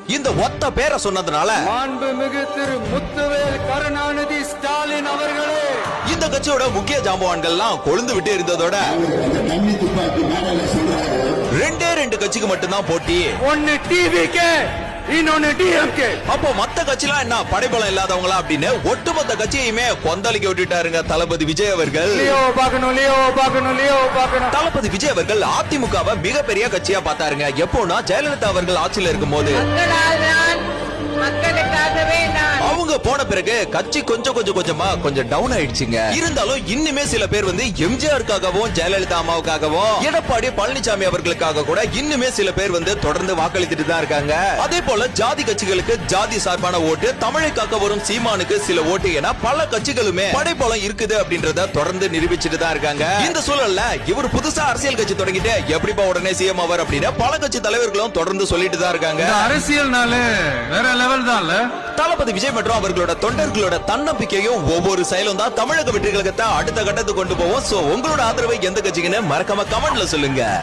இந்த ஒத்த பேரை சொன்னதுனால மாண்புமிகு திரு முத்துவேல் கருணாநிதி ஸ்டாலின் அவர்களே, இந்த கட்சியோட முக்கிய ஜாம்பவான்கள்லாம் கொழுந்து விட்டு இருந்ததோட ரெண்டு கட்சிக்கு மட்டும்தான் போட்டி. ஒன்னு டிவிகே, இன்னொன்னு டிஎம்கே. அப்போ மத்த கட்சிலாம் என்ன படைபலம் இல்லாதவங்களா அப்படின்னு ஒட்டுமொத்த கட்சியுமே கொந்தளிக்க விட்டுட்டாருங்க தளபதி விஜய் அவர்கள். தளபதி விஜய் அவர்கள் அதிமுகவை மிகப்பெரிய கட்சியா பார்த்தாருங்க. எப்போனா ஜெயலலிதா அவர்கள் ஆட்சியில இருக்கும் போது. அவங்க போன பிறகு கட்சி கொஞ்சமா டவுன் ஆயிடுச்சுங்க. இருந்தாலும் இன்னுமே சில பேர் வந்து எம்ஜிஆருக்காகவும் ஜெயலலிதா அம்மாவுக்காகவும் எடப்பாடி பழனிசாமி அவர்களுக்காக கூட இன்னுமே சில பேர் வந்து தொடர்ந்து வாக்களித்துட்டு தான் இருக்காங்க. அதே போல ஜாதி கட்சிகளுக்கு ஜாதி சார்பான ஓட்டு, தமிழுக்காக வரும் சீமானுக்கு சில ஓட்டு என பல கட்சிகளுமே படைபலம் இருக்குது அப்படின்றத தொடர்ந்து நிரூபிச்சுட்டு தான் இருக்காங்க. இந்த சூழல்ல இவர் புதுசா அரசியல் கட்சி தொடங்கிட்டு எப்படிப்பா உடனே சிஎம் அவர் அப்படின்னு பல கட்சி தலைவர்களும் தொடர்ந்து சொல்லிட்டு தான் இருக்காங்க. அரசியல்னாலே வேற லெவல் தான். தளபதி விஜய் மற்றும் அவர்களோட தொண்டர்களோட தன்னம்பிக்கையும் ஒவ்வொரு செயலும் தான் தமிழக வெற்றி கழகத்தை அடுத்த கட்டத்துக்கு கொண்டு போவோம். சோ உங்களோட ஆதரவை எந்த கட்சிக்குன்னு மறக்காம கமெண்ட்ல சொல்லுங்க.